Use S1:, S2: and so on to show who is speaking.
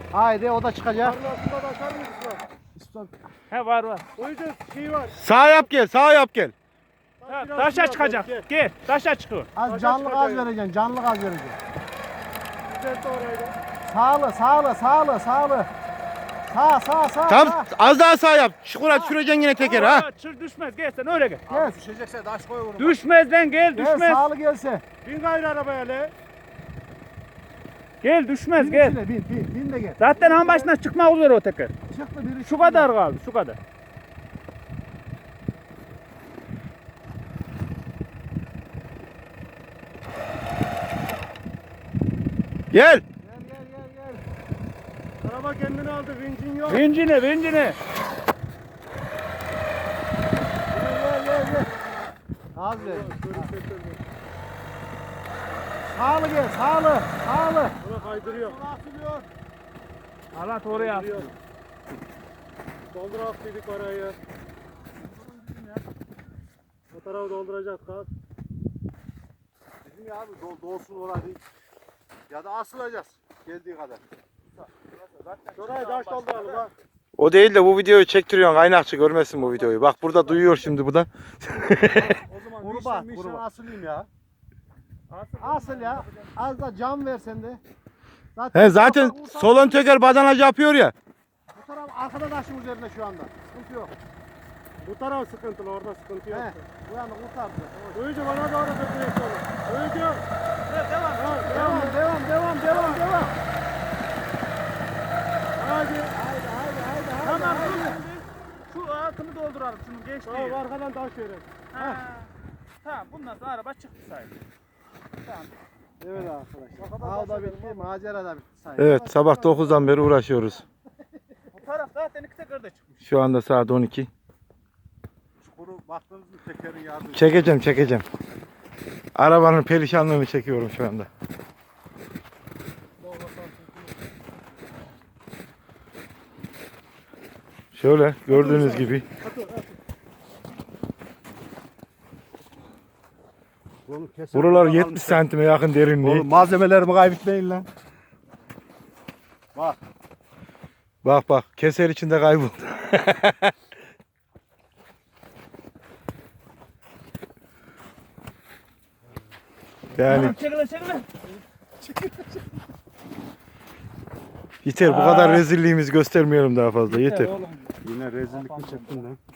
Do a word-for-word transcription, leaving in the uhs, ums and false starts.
S1: Haydi o da çıkacak.
S2: Parlasında bakar mısın?
S3: He var var.
S2: O yüzden şey var.
S4: Sağ yap gel, sağ yap gel.
S3: Ha,
S2: Biraz
S3: taşa
S2: biraz
S3: çıkacak.
S2: gel.
S3: Gel. Taşa çıkıyor.
S1: Az
S2: Taşa
S1: canlı gaz
S2: çıkacak.
S1: vereceksin. Canlı gaz vereceksin.
S2: Düzelt orayı da.
S1: Sağlı sağlı sağlı sağlı. Sağ sağ sağ.
S4: Tam
S1: sağ.
S4: az daha sağ yap. Çukura düşüreceksin yine teker ha.
S3: Aa, Çır düşmez. Gel sen öyle gel.
S1: Gel.
S2: Düşecekse taş koy onu.
S3: Düşmez lan gel
S1: Gel
S3: düşmez.
S1: sağlı gelse.
S2: Bin gayrı arabaya le.
S3: Gel düşmez
S1: Bin
S3: gel.
S1: içine bin bin bin de gel.
S3: Zaten han başına çıkmak üzere o teker.
S1: Çıktı biri.
S3: Şu kadar kaldı şu kadar.
S4: Gel.
S1: Gel gel gel gel.
S2: Araba kendini aldı. Vincin yok.
S3: Vincini vincini.
S1: Gel gel gel. Az ver. Sağlı gel sağlı sağlı.
S2: Ona kaydırıyor.
S1: Atılıyor.
S3: Alat oraya at.
S2: Kaydırıyor. Doldur attıydık parayı. O tarafı dolduracak kal.
S1: Dedim ya abi dol, dolsun orada değil. Ya da asılacağız geldiği kadar.
S2: Şurayı taş dolduralım ha.
S4: O değil de bu videoyu çektiriyorsun. Kaynakçı görmesin bu videoyu. Bak burada duyuyor şimdi bu da.
S2: O zaman
S1: Kurban,
S2: mişen
S1: kurban asılayım ya.
S3: Asıl,
S1: Asıl ya. Az da cam ver sen de. Zaten,
S4: He zaten
S1: bu taraf-
S4: solon teker badanacı yapıyor ya.
S1: Bu taraf arkada taşın üzerinde şu anda. Sıkıntı yok.
S2: Bu taraf sıkıntılı, orada sıkıntı yok.
S1: He. Bu yana kurtardı.
S2: Öyle bana doğru götürüyor sonu. Öyle.
S3: devam.
S2: Ha,
S1: Devam, devam, devam, devam, devam.
S2: Hadi.
S1: Haydi, haydi, haydi, haydi.
S3: Tamam
S1: haydi.
S3: dur şimdi. Şu altını dolduralım şunu geçti.
S2: Tamam arkadan taş verelim.
S3: Ha. Tamam bundan sonra araba çıktı sayılır. Tamam.
S1: Evet arkadaşlar. Av da bitti, macera da bitti. sayın.
S4: Evet sabah dokuzdan beri uğraşıyoruz.
S3: Bu taraf zaten iki teker de çıkmış.
S4: Şu anda saat on iki.
S1: Çukuru baktınız mı tekerin yardım.
S4: Çekeceğim çekeceğim. Arabanın perişanlığını çekiyorum şu anda. Şöyle gördüğünüz gibi. Buralar yetmiş santime yakın derinliği.
S1: Oğlum malzemelerimi kaybetmeyin lan. Bak.
S4: Bak bak keser içinde kayboldu. Yani
S3: Çekile çekile.
S4: yeter bu kadar rezilliğimizi göstermeyelim daha fazla yeter.
S2: Yine rezillik mi çektin lan?